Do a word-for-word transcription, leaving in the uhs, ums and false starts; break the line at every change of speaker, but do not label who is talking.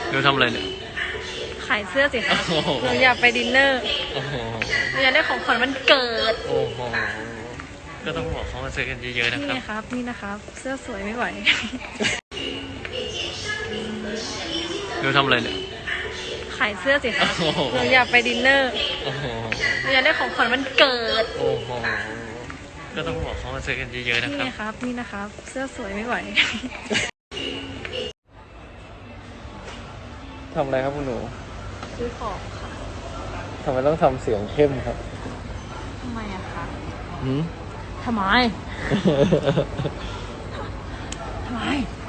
หนูทำอะไรเนี่ย
ขายเสื้อสิคะหนูอยากไปดินเนอร์หนูอยากได้ของขวัญวันเกิด
โอ้โหก็ต้องบอกเขามาซื้อกันเยอะๆนะค
นี่
รับ
นะครับนี่นะครับเสื้อสวยไม่ไหว
หนูทำอะไรเนี่ย
ขายเสื้อสิคะหนูอยากไปดินเนอร์หนูอยากได้ของขวัญวันเกิด
โอ้โหก็ต้องบอกเขามาซื้อกันเยอะๆนะค
นี่
รับ
นะครับนี่นะครับเสื้อสวยไม่ไหว
ทำอะไรครับคุณหนู
ซื้อของค่ะ
ทำไมต้องทำเสียงเข้มครับ
ทำไมอะคะ
หืม
ทำไมทำไม